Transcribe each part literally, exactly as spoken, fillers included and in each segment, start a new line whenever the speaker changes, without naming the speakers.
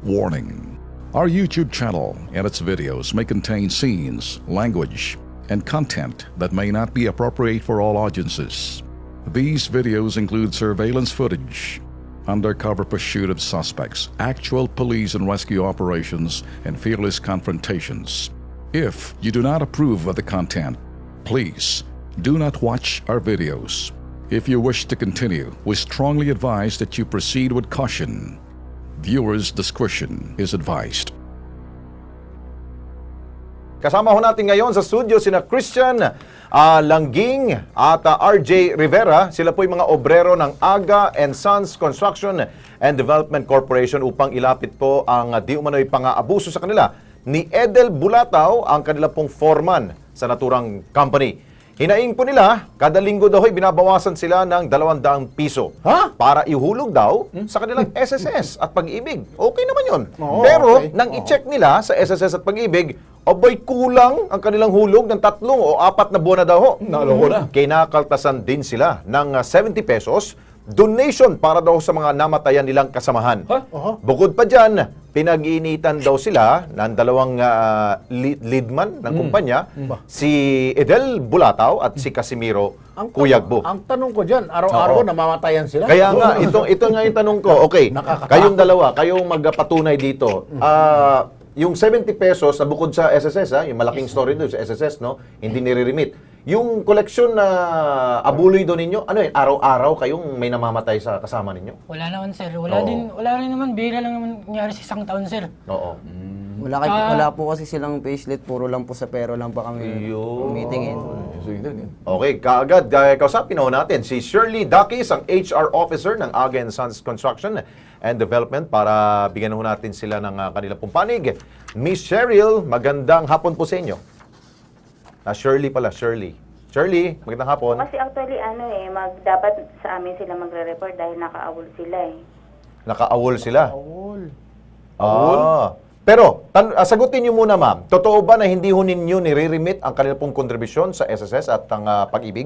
Warning: our YouTube channel and its videos may contain scenes, language, and content that may not be appropriate for all audiences. These videos include surveillance footage, undercover pursuit of suspects, actual police and rescue operations, and fearless confrontations. If you do not approve of the content, please do not watch our videos. If you wish to continue, we strongly advise that you proceed with caution. Viewers' discretion is advised.
Kasama ho natin ngayon sa studio sina Christian uh, Langging at uh, R J Rivera. Sila po yung mga obrero ng Aga and Sons Construction and Development Corporation upang ilapit po ang uh, di umano'y pang-aabuso sa kanila ni Edel Bulataw, ang kanila pong foreman sa naturang company. Hinaing po nila, kada linggo daw ay binabawasan sila ng dalawang daang piso
Ha?
para ihulog daw sa kanilang S S S at Pag-ibig. Okay naman yun.
Oo,
Pero
okay.
nang i-check nila sa S S S at Pag-ibig, abay kulang ang kanilang hulog ng tatlong o apat na buwan na daw ho.
Naloko na.
Kinakaltasan din sila ng uh, seventy pesos donation para daw sa mga namatayan nilang kasamahan.
Ha? Oho.
Bukod pa dyan, pinag-iinitan daw sila ng dalawang uh, lead, leadman ng kumpanya, si Edel Bulataw at si Casimiro Cuyagbo.
Ang tanong ko dyan, araw-araw
Oo.
namamatayan sila?
Kaya nga, ito, ito nga yung tanong ko. Okay,
Nakakatakot.
kayong dalawa, kayong magpatunay dito. Ah, yung seventy pesos na bukod sa S S S, ha, yung malaking story doon sa S S S, no, hindi nire-remit. Yung koleksyon na abuloy doon ninyo, ano yun, araw-araw kayong may namamatay sa kasama ninyo?
Wala naman sir. Wala
Oo.
din, wala rin naman. Bihira lang naman nangyari sa isang taon sir.
Oo.
Wala, kay,
Ah.
wala po kasi silang payslip, puro lang po sa pero lang pa kami
Ayun.
meetingin.
Okay, kaagad, uh, kausapin ho natin si Shirley Dakis, ang H R Officer ng Aga and Sons Construction and Development, para bigyan ho natin sila ng uh, kanilang pumpanig. Miss Cheryl, magandang hapon po sa inyo. Ah, Shirley pala, Shirley. Shirley, magandang hapon.
Kasi actually, ano eh, mag, dapat sa amin sila magre-report dahil naka-awol sila eh.
Naka-awol sila.
Awol.
Ah. Pero, tan- ah, sagutin niyo muna ma'am, totoo ba na hindi ho ninyo nire-remit ang kanilang pong kontribusyon sa S S S at ang ah, Pag-ibig?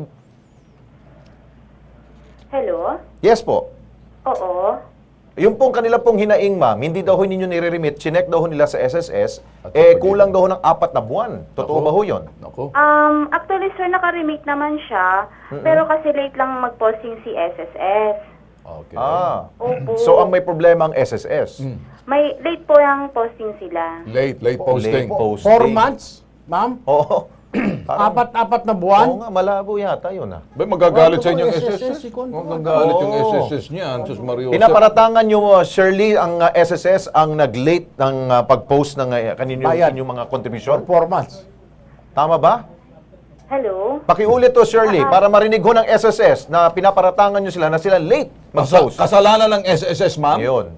Hello?
Yes po.
Oo.
Yung pong kanila pong hinaing ma'am, hindi daw ho ninyo nire-remit, chinek daw ho nila sa S S S, eh kulang daw ho ng apat na buwan. Totoo ba ho yun?
Ako.
Um, actually, sir, naka-remake naman siya, pero kasi late lang mag-posting si S S S.
Okay.
Ah.
Opo.
So ang may problema ang S S S.
May late po yung posting sila.
Late, late posting.
Late posting.
Four months, ma'am?
Oo. Parang-
Apat-apat na
Oo
buwan?
nga, malabo yata yun ah.
Ba, magagalit sa inyong
S
S
S
S
S,
S?
ikon.
Magagalit yung
Oo.
S S S niyan, Sus Mario.
Pinaparatangan nyo, uh, Shirley, ang uh, S S S ang nag-late ng uh, pag-post ng uh, kanino
Bayad.
inyong mga contribution.
Four months.
Tama ba?
Hello?
Pakiulit to, Shirley, para marinig ho ng S S S na pinaparatangan nyo sila na sila late
Kasa-
mag-post.
kasalanan ng S S S, ma'am?
Yun.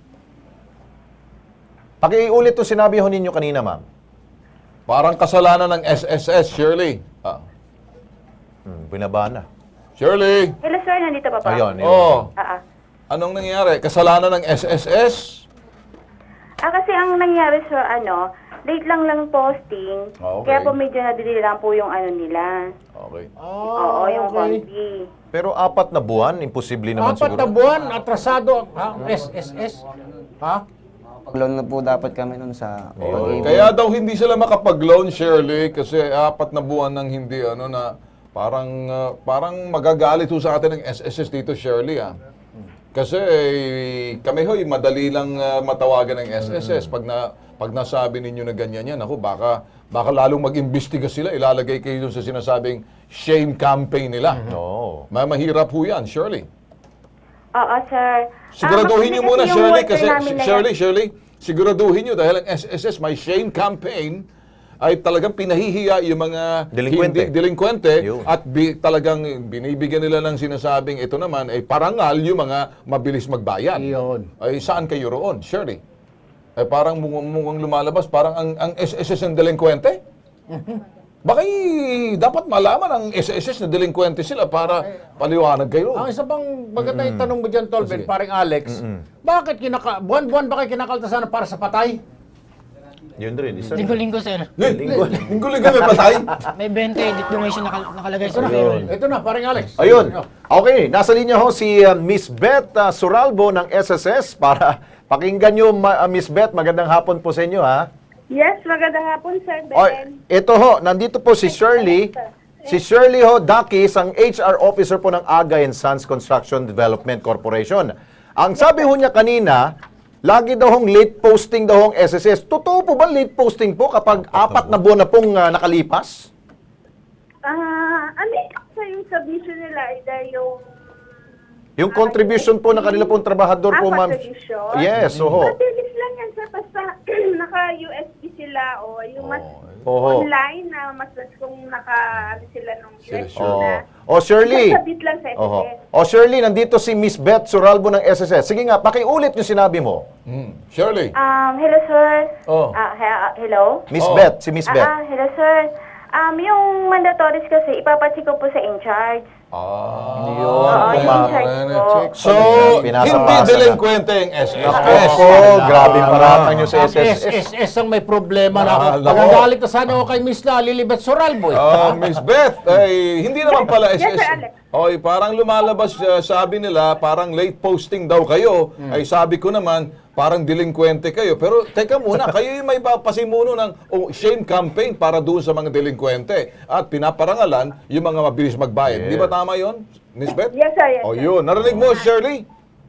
Pakiulit to sinabi ho ninyo kanina, ma'am.
Parang kasalanan ng S S S, Shirley. Ah.
Hmm, binaba na.
Shirley!
Hello, sir, nandito pa pa?
Ayun, yun.
Oh,
Ah, ah.
anong nangyari? Kasalanan ng S S S?
Ah, kasi ang nangyari, sir, ano, late lang lang posting,
Okay.
kaya po medyo nadili lang po yung ano nila.
Okay.
Oo, yung konti.
Pero apat na buwan, imposible naman
Apat
siguro.
na buwan, atrasado. Ha? S S S. Ha?
Pag-loan na po dapat kami nun sa pag-ibig.
Kaya daw hindi sila makapag-loan, Shirley, kasi apat na buwan nang hindi, ano na, parang, ah, parang magagalit ho sa atin ng S S S dito, Shirley, ah. Kasi eh, kami ho'y madali lang ah, matawagan ng S S S. Pag, na, pag nasabi ninyo na ganyan yan, ako, baka, baka lalong mag-imbestiga sila, ilalagay kayo dun sa sinasabing shame campaign nila.
Oo.
Ma mahirap ho yan, Shirley.
Oo, sir.
Siguraduhin
Ah,
niyo
kasi
muna,
yung
Shirley,
worker
kasi
namin na
Shirley,
yan-
Shirley, siguraduhin niyo dahil ang S S S may shame campaign ay talagang pinahihiya yung mga
Delinkwente.
hindi delinkwente
Yun.
at bi, talagang binibigyan nila ng sinasabing ito naman ay parangal yung mga mabilis magbayad.
Iyon.
Ay saan kayo roon, Shirley? Ay parang mukhang, mukhang lumalabas, parang ang, ang S S S ang delinkwente? Baka i- dapat malaman ang S S S na delinkwente sila para paliwanag kayo.
Ang isa pang maganda yung tanong mo dyan, Tolben,
Sige.
paring Alex, bakit kinaka, buwan-buwan ba kayo kinakaltasan para sa patay?
Yun rin. Isa rin.
Linggo-linggo, sir.
Linggo.
Linggo-linggo may patay.
May twenty edit donation nakal- nakalagay sa
Ito na,
payroll.
ito na, paring Alex.
Ayun. Okay, nasa linya ho si uh, Miss Beth uh, Suralbo ng S S S para pakinggan nyo, ma- uh, Miss Beth. Magandang hapon po sa inyo, ha?
Yes, magandang hapon, Sir Ben.
O, ito ho, nandito po si Shirley. Si Shirley ho, Dakis, ang H R officer po ng Aga and Sons Construction Development Corporation. Ang sabi ho niya kanina, lagi daw hong late posting daw hong S S S. Totoo po ba late posting po kapag apat na buwan na pong uh, nakalipas?
Ah, ano sa yung submission nila? Either yung...
Yung contribution po ng kanila pong trabahador po,
Ah,
ma'am.
contribution?
Yes, oho.
Mabilis lang yan, sir. Basta naka-U S B sila o yung mas
Oho.
online na mas mas kung naka ano sila nung U S B
Oh.
na.
O Shirley.
Masabit lang sa S S S.
Oho. O Shirley, nandito si Miss Beth Suralbo ng S S S. Sige nga, pakiulit yung sinabi mo.
Hmm. Shirley.
Um, hello, sir.
Oh.
Ah, he- hello?
Miss
Oh.
Beth, si Miss
Ah,
Beth.
ah, hello, sir. Um, yung mandatories kasi, ipapacheck ko po sa in-charge.
Ah.
Oo, yung in-charge po.
So,
Pinasa-pasa
hindi
na.
delinquente yung S S S.
Ako, grabe paratang nyo sa
Ang
S S S.
S S S ang may problema
Ah,
na.
nako.
Pagagalit na sana ako kay Miss na Lilibet Soralbo eh.
Ah, Miss Beth, ay hindi naman pala S S
Yes,
S.
sir, Alex.
Oy, parang lumalabas uh, sabi nila, parang late posting daw kayo.
Hmm.
Ay sabi ko naman, parang delinquente kayo. Pero teka muna, kayo yung may pasimuno ng oh, shame campaign para doon sa mga delinquente. At pinaparangalan yung mga mabilis magbayad. Di ba tama yon, Miss Beth?
Yes, sir, yes,
O
sir.
yun, narinig mo, Shirley?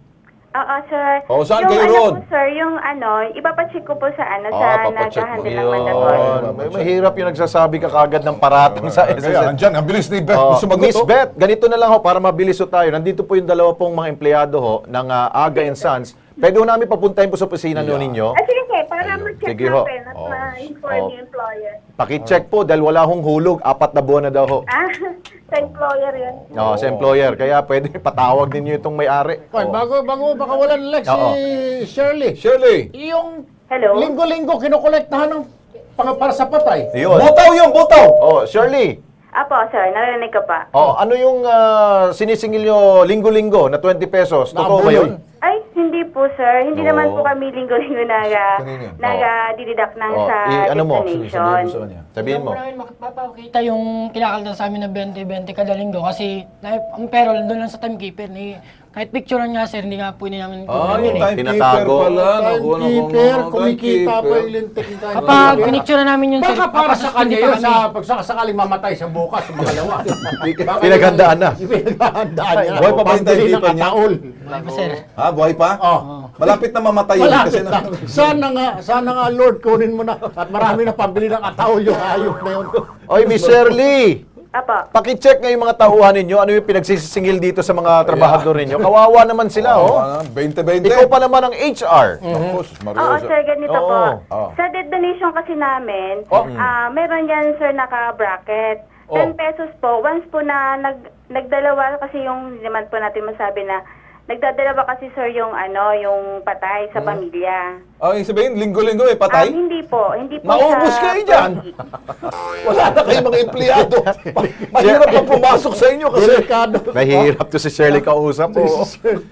Oo, sir.
Oh, saan
yung
kayo
ano
roon?
po, sir, yung ano, ipapacheck ko po sa ano,
Ah,
sa
papacheck mo.
nag-handle ng mandatory.
Yun. May mahirap yung nagsasabi ka kagad ng paratang sa S S S.
Kaya, andyan, ang bilis ni Beth.
Oh,
sumagot,
Miss
oh.
Beth, ganito na lang ho para mabilis ho tayo. Nandito po yung dalawa pong mga empleyado ho ng ah, Aga and Sons. Pwede ho namin papuntahin po sa opisina nyo ninyo.
Ah, sige, sige, para ma-check
Sige ho.
natin at
Oh.
ma-inform
Oh.
yung employer.
Paki-check po dahil wala hong hulog. Apat na buwan na daw ho.
Ah, sa employer yun.
Oh, sa employer. Kaya pwede patawag ninyo itong may-ari.
Hoy, bago, bago baka wala ng Lex
Oo.
si Shirley.
Shirley.
Yung
Hello?
linggo-linggo kinukolektahan ng pang para sa patay.
Yun.
Butaw yung butaw!
Oh, Shirley.
Apo, sir, narinig ko pa.
Oh, ano yung ah, sinisingil nyo linggo-linggo na twenty pesos? Totoo ba yun?
Ay, hindi po, sir. Hindi
Oo.
naman po kami linggo-linggo naga,
Kanina.
naga-dideduct ng
Oh,
sa
i- ano mo?
destination.
Sabihin mo.
Hindi namin makapapakita yung kinakalta sa amin na twenty twenty kada linggo kasi na, ang payroll doon lang sa timekeeper. Ni, kahit picturean nga, sir, hindi nga po hindi namin
Ah, yung
yun eh.
timekeeper
Tinatago.
pala. Naku, naku,
Timekeeper,
naku,
kumikita pa
timekeeper.
yung lintik ng time.
Kapag pinicturean namin yun, sir,
Baka para sa
papasuspend
kanya
pa
yun
kami.
sa pagsakasakaling mamatay sa bukas, sa makalawa. Baka
Pinaghandaan na.
yun- Pinaghandaan niya.
Buhay pa ba yung
Pambili ng
timekeeper niya?
ataol.
Wala pa, sir.
Ha, buhay pa?
Oh.
Malapit na mamatay yun. Kasi
Malapit na. Sana nga, sana nga Lord, kunin mo na. At marami na pambili ng ataol yung hayop na yun.
Oy, Miss Shirley.
Apo.
Paki-check nga yung mga tauhan ninyo. Ano yung pinagsisingil dito sa mga trabahador ninyo? Kawawa naman sila, oh.
twenty twenty.
Ikaw pa naman ang H R.
Tapos,
Oo,
Mariosa.
sir, ganito
Oo.
po.
Oo.
Sa debt donation kasi namin,
Oh.
ah meron yan, sir, naka-bracket.
Oh.
ten pesos po. Once po na nag, nagdalawa kasi yung, hindi naman po natin masabi na, nagdadalawa kasi, sir, yung ano, yung patay sa pamilya.
Ah, yung sabihin, linggo-linggo may patay?
Ah, hindi po. Hindi po
Naubos
sa
kayo dyan. Wala na kayong mga empleyado. Mahirap na pumasok sa inyo kasi.
Delikado.
Mahirap to si Shirley kausap. Oh.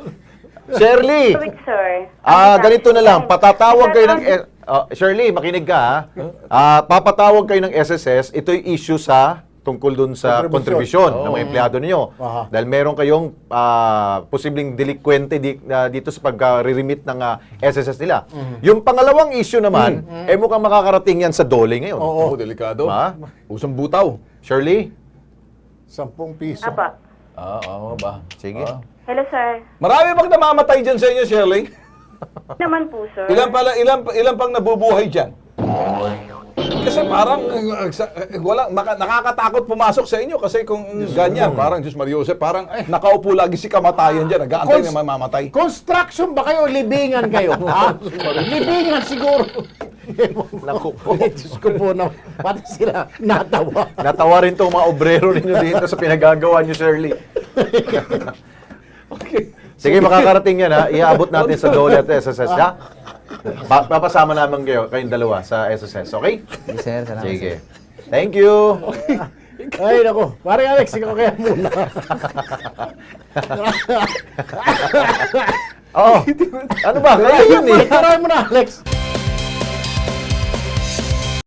Shirley,
Wait, sir.
ah,
Ano
ganito
sa-
na lang. Patatawag kayo ng...
Ano-
Ah, Shirley, makinig ka, ha? Ah, papatawag kayo ng S S S. Ito'y issue sa tungkol dun sa
Contribution.
kontribusyon ng mga empleyado ninyo.
Aha.
Dahil meron kayong ah, posibleng delinquente di, na dito sa pag-remit ng ah, S S S nila. Yung pangalawang issue naman, eh mukhang makakarating yan sa dole ngayon.
Oo.
Oo, delikado.
Ma?
Usang butaw.
Shirley?
Sampung piso.
Apa.
Ah, oo ba?
Sige.
Ah.
Hello, sir.
Marami bang namamatay dyan sa inyo, Shirley?
Naman po, sir.
Ilan pala, ilan, ilan pang nabubuhay dyan? Kasi parang uh, sa- uh, wala, maka- nakakatakot pumasok sa inyo kasi kung ganyan, parang Diyos Mario Jose, parang eh, nakaupo lagi si kamatayan dyan, nag-aantay
Cons-
na mamamatay.
Construction ba kayo? Libingan kayo? Ha? Libingan siguro.
Naku po.
Diyos ko po na, pati sila natawa.
Natawa rin tong mga obrero ninyo dito sa pinagagawa niyo, Shirley.
Okay.
Sige, makakarating yan, ha? Iaabot natin sa dole at S S S, ha? Pa- papasama naman kayo, kayong dalawa sa S S S, okay?
Sige, sir. Salamat, sir.
Sige. Thank you.
Ay, nako. Pare Alex, ikaw kaya muna.
Oh, ano ba? Kaya yun eh.
Tarayan mo na, Alex.